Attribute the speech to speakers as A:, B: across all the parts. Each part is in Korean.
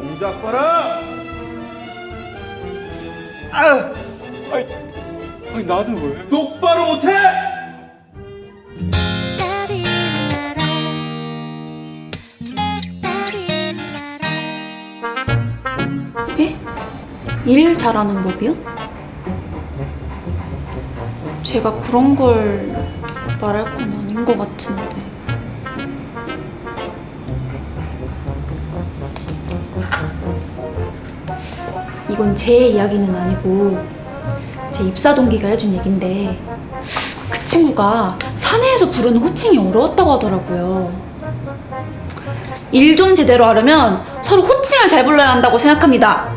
A: 동작 봐라.
B: 아니 나도 왜?
A: 똑바로 못해?
C: 예? 일 잘하는 법이요? 제가 그런 걸 말할 건 아닌 것 같은데. 이건 제 이야기는 아니고 제 입사 동기가 해준 얘긴데, 그 친구가 사내에서 부르는 호칭이 어려웠다고 하더라고요. 일 좀 제대로 하려면 서로 호칭을 잘 불러야 한다고 생각합니다.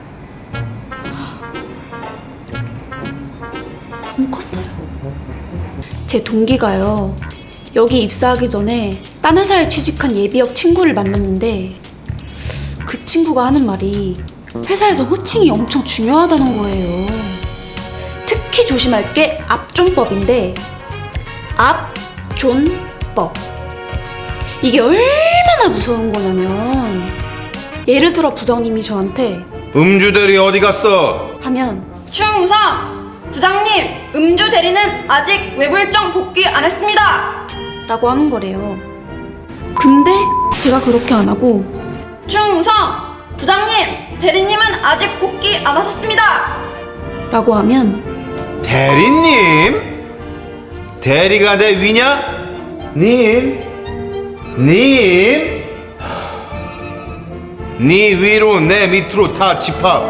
C: 너무 컸어요. 제 동기가요, 여기 입사하기 전에 딴 회사에 취직한 예비역 친구를 만났는데, 그 친구가 하는 말이 회사에서 호칭이 엄청 중요하다는 거예요. 특히 조심할 게 압존법인데, 압존법. 이게 얼마나 무서운 거냐면, 예를 들어 부장님이 저한테
A: 음주 대리 어디 갔어?
C: 하면,
D: 충성! 부장님, 음주 대리는 아직 외부 일정 복귀 안 했습니다.
C: 라고 하는 거래요. 근데 제가 그렇게 안 하고,
D: 충성! 부장님, 대리님은 아직 복귀 안 하셨습니다.
C: 라고 하면,
A: 대리님? 대리가 내 위냐? 님? 님? 네 위로 내 밑으로 다 집합.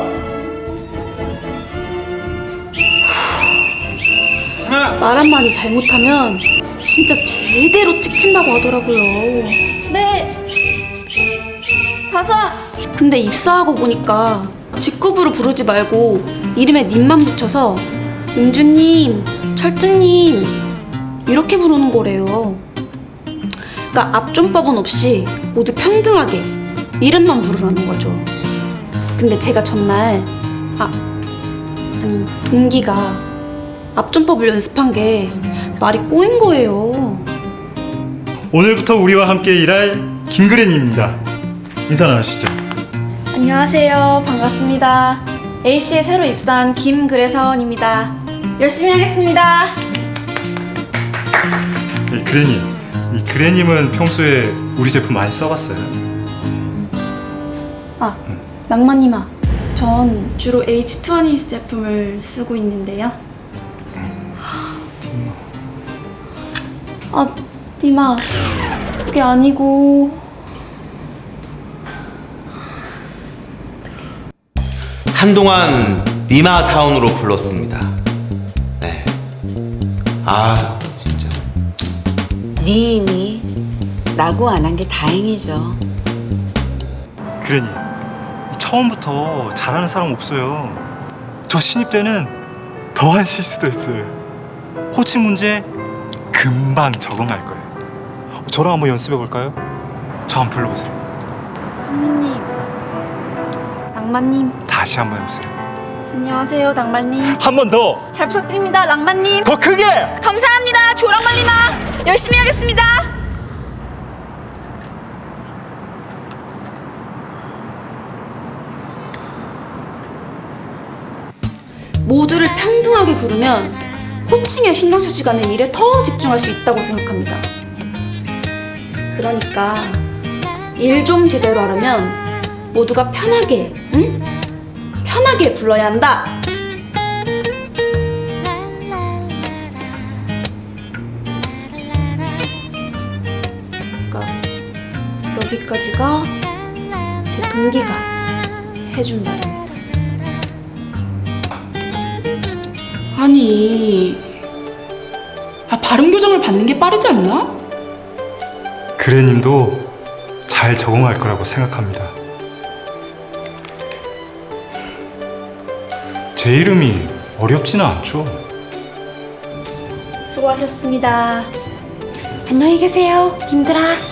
C: 말 한마디 잘못하면 진짜 제대로 찍힌다고 하더라고요.
D: 네. 5.
C: 근데 입사하고 보니까 직급으로 부르지 말고 이름에 님만 붙여서 은주님, 철주님 이렇게 부르는 거래요. 그러니까 압존법은 없이 모두 평등하게 이름만 부르라는 거죠. 근데 제가 전날 아니 동기가 압존법을 연습한 게 말이 꼬인 거예요.
B: 오늘부터 우리와 함께 일할 김그래님입니다. 인사 나누시죠.
C: 안녕하세요. 반갑습니다. A씨에 새로 입사한 김그래 사원입니다. 열심히 하겠습니다.
B: 네, 그래님. 이 그래님은 평소에 우리 제품 많이 써봤어요?
C: 낭만님아, 전 주로 H2O 제품을 쓰고 있는데요. 님아, 그게 아니고.
A: 한동안 니마 사원으로 불렀습니다. 네. 진짜.
E: 님이 라고 안 한 게 다행이죠.
B: 그래님, 처음부터 잘하는 사람 없어요. 저 신입 때는 더한 실수도 했어요. 호칭 문제 금방 적응할 거예요. 저랑 한번 연습해 볼까요? 저 한번 불러보세요.
C: 선배님, 낭만님,
B: 다시 한번 해보세요.
C: 안녕하세요. 낭만님.
B: 한 번 더!
D: 잘 부탁드립니다, 랑만님.
B: 더 크게!
D: 감사합니다, 조랑말리마. 열심히 하겠습니다.
C: 모두를 평등하게 부르면 호칭에 신경 쓸 시간에 일에 더 집중할 수 있다고 생각합니다. 그러니까 일 좀 제대로 하려면 모두가 편하게, 편하게 불러야 한다. 그러니까 여기까지가 제 동기가 해준 말입니다.
F: 아니, 발음 교정을 받는 게 빠르지 않나?
B: 그래님도 잘 적응할 거라고 생각합니다. 제 이름이 어렵지는 않죠.
C: 수고하셨습니다. 안녕히 계세요, 님들아.